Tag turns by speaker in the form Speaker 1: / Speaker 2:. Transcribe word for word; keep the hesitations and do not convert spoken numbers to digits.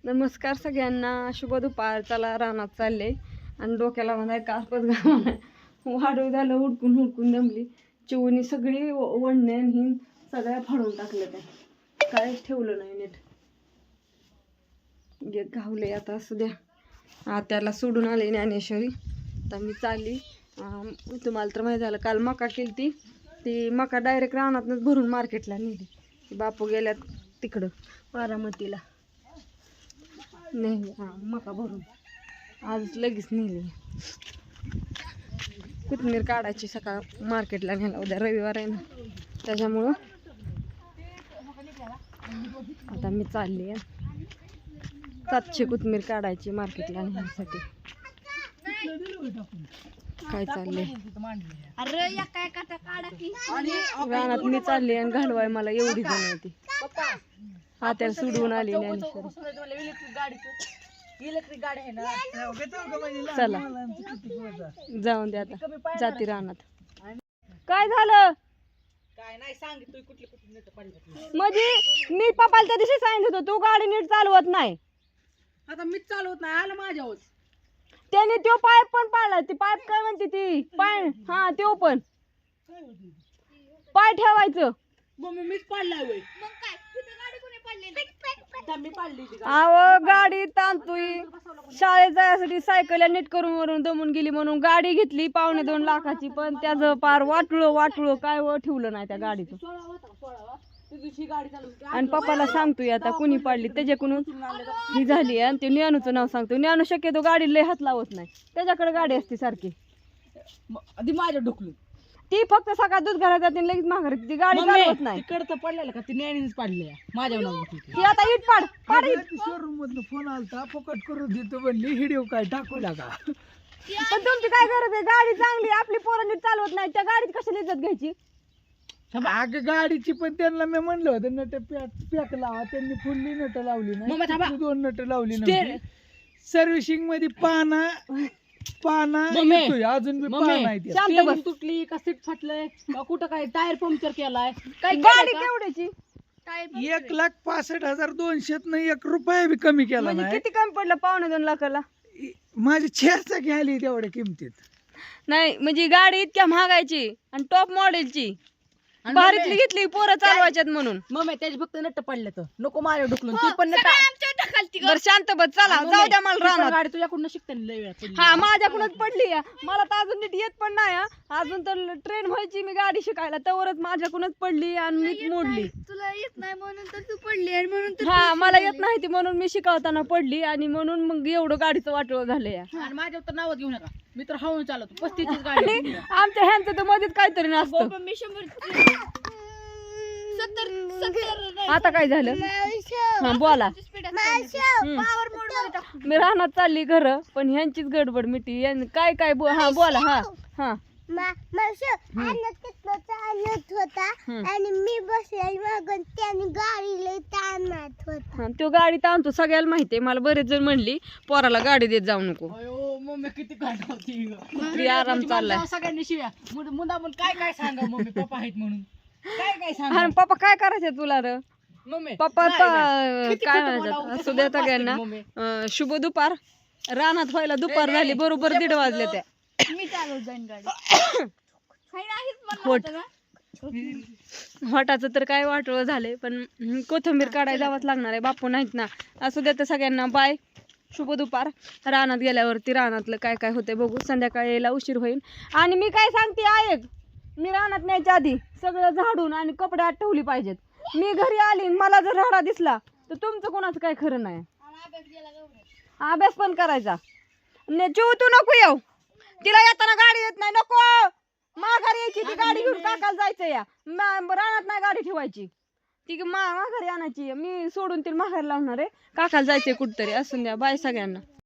Speaker 1: नमस्कार सगळ्यांना, शुभ दुपार. चला रानात चालले आणि डोक्याला म्हणाय कापच घालणार. वाढू झालं, हुडकून हुडकून दमली. चिवणी सगळी वडणे ही सगळ्या फाडून टाकल्या, त्या काहीच ठेवलं नाही नीट. गेट घावले आता. असू द्या, आत्याला सोडून आले ज्ञानेश्वरी. आता मी चालली. तुम्हाला तर माहिती झालं, काल मका केली ती ती मका डायरेक्ट रानातनंच भरून मार्केटला नेली. बापू गेल्यात तिकडं बारामतीला. नाही हां मका भरून आज लगेच नेली. कोथिंबीर काढायची सकाळ मार्केटला नेला. उद्या रविवार आहे ना, त्याच्यामुळं आता मी चालली आहे. सातशे कोथिंबीर काढायची मार्केटला नेण्यासाठी. काय चाललंय रानात मी चालली आणि घालवाय मला एवढी जण होती. हा त्याला सोडवून आली ज्ञानेश्वरी. चला जाऊन द्या आता, जाती रानात. काय झालं
Speaker 2: काय नाही सांगितलं कुठली कुठली नीट पडली.
Speaker 1: म्हणजे मी पप्पाला त्या दिवशी सांगितलं होतं, तू गाडी नीट चालवत नाही.
Speaker 2: आता मीच चालवत नाही, आलं माझ्यावर.
Speaker 1: त्याने तो पाईप पण पाडला. ती पाईप काय म्हणते ती पाय, हा तो पण पाय ठेवायचं.
Speaker 2: मम्मी मीच पाडलाय वय. मी पाडली
Speaker 1: अहो गाडी ताणतोय. शाळेत जायसाठी सायकल नीट करून वरून दमून गेली म्हणून गाडी घेतली पावणे दोन लाखाची, पण त्याचं पार वाटुळं वाटुळं काय व ठेवलं नाही त्या गाडीचं. आणि पप्पाला सांगतोय आता कुणी पाडली त्याच्याकडून ही झाली. आणि ते ज्ञानूचं नाव सांगतो. ज्ञानू शक्यतो गाडी लय हात लावत नाही, त्याच्याकडे गाडी असते सारखी.
Speaker 2: आधी माझ्या ढोकली
Speaker 1: ती फक्त सकाळ दूध घरात जाते लगेच माघार. ती गाडी चालवत नाही.
Speaker 2: तिकडचं पडलेलं का ती नॅनीच पाडले माझ्या नाव.
Speaker 1: ती आता इट पाड पाड.
Speaker 3: शोरूम मधनं फोन आलता, फुकट करून देतो म्हणली. व्हिडिओ काय टाकू लागा.
Speaker 1: पण तुमची काय गरज आहे? गाडी चांगली, आपली पोरं नीट चालवत नाही, त्या गाडीत कशाला इज्जत घ्यायची?
Speaker 3: अगं गाडीची पण त्यांना मी म्हणलं होतं नट पॅक लावा, त्यांनी फुल्ली नट लावली नाही, दोन नट लावली नाही. सर्व्हिसिंग मध्ये पाना पाना येतोय, अजून बी पाना आहे.
Speaker 1: शांत बस.
Speaker 2: तुटली का सीट फाटलंय का कुठं काय टायर पंक्चर केलाय काय
Speaker 1: गाडी केवढ्याची?
Speaker 3: एक लाख पासष्ट हजार दोनशेत नाही एक रुपया बी कमी केला
Speaker 1: म्हणजे
Speaker 3: नाही.
Speaker 1: किती कमी पडलं? पावणे दोन लाखाला.
Speaker 3: माझी छेरचा घ्यायली तेवढ्या किमतीत
Speaker 1: नाही म्हणजे गाडी इतक्या महागायची आणि टॉप मॉडेलची भारीतली घेतली पोरं चालवायच्यात म्हणून.
Speaker 2: मग त्याची फक्त नट्ट पडले तर नको माझ्या ढुकलून. ती पण नट्ट
Speaker 1: बरं शांत बस. चला जाऊ द्या मला राहणार.
Speaker 2: गाडी तुझ्याकडून शिकते लय वेळा पडली.
Speaker 1: हा माझ्याकडूनच पडली या. मला तर अजून नीट येत पण नाही. अजून तर ट्रेन व्हायची मी गाडी शिकायला, त्यावरच माझ्याकडूनच पडली आणि मीच मोडली.
Speaker 4: तुला येत नाही म्हणून तर तू पडली आणि म्हणून तर
Speaker 1: हा मला येत नाही ती म्हणून मी शिकवताना पडली आणि म्हणून मग एवढं गाडीचं वाटलं झालं या.
Speaker 2: आणि माझ्यावर तर नावच घेऊ नका, मी तर हळून चालवतो. पस्तीस गाडी
Speaker 1: आणि आमच्या ह्यांचं तर मध्येच काहीतरी नसतं.
Speaker 4: मी शंभर सत्तर सत्तर
Speaker 1: आता काय झालं? हा बोला. हम्म.
Speaker 4: पॉवर मोड मध्ये टाक.
Speaker 1: मी राहणार चालली घर, पण ह्यांचीच गडबड मिटी. यां- काय काय बो हा बोला. हा हा
Speaker 4: चालत होता आणि मी बसले मागून त्याने गाडीला ताणत होता.
Speaker 1: हा, तो गाडी ताणतो सगळ्याला माहितीये. मला बरेच जण म्हणली पोराला गाडी देत जाऊ नको.
Speaker 2: अयो मम्मी किती गाडी होती.
Speaker 1: ती आराम चाललाय.
Speaker 2: सगळ्यांनी शिव्या मुदा पण काय काय सांगा मम्मी पप्पा आहेत म्हणून. काय काय सांगा
Speaker 1: हा पप्पा काय करायचं तुला र?
Speaker 2: मम्मी
Speaker 1: पप्पा
Speaker 2: नाही, नाही. किती
Speaker 1: काय
Speaker 2: खोटं
Speaker 1: म्हणायचं
Speaker 2: बोलावं,
Speaker 1: असू द्या
Speaker 2: कसं
Speaker 1: सगळ्यांना.
Speaker 2: मम्मी.
Speaker 1: अं, शुभ दुपार. रानात व्हायला दुपार झाली, बरोबर दीड वाजले त्या.
Speaker 4: मी चालवत जाईन गाडी. काही नाहीच म्हणलं
Speaker 1: होट.
Speaker 4: होतं ना.
Speaker 1: होटाचं तर काय वाटलं झालंय, पण हम्म, कोथिंबीर काढायला जावंच लागणार आहे. बापू नाहीत ना. असू द्या तर सगळ्यांना बाय, शुभ दुपार. रानात गेल्यावरती रानातलं काय काय होतंय बघू. संध्याकाळी यायला उशीर होईल. आणि मी काय सांगते ऐक, मी रानात न्यायच्या आधी सगळं झाडून आणि कपडे आत ठेवली पाहिजेत. मी घरी आली आणि मला जर राडा दिसला तर तुमचं कोणाचं काय खरं नाही. अभ्यास पण करायचा. ने चिव तू नको येऊ, तिला येताना गाडी येत नाही. नको माघारी यायची, ती गाडी घेऊन काकाला जायचं या. मा- रानात नाही गाडी ठेवायची, ती मा माघारी आणायची. मी सोडून तिला माघारी लावणार आहे. काकाला जायचंय कुठतरी. असून द्या बाय सगळ्यांना.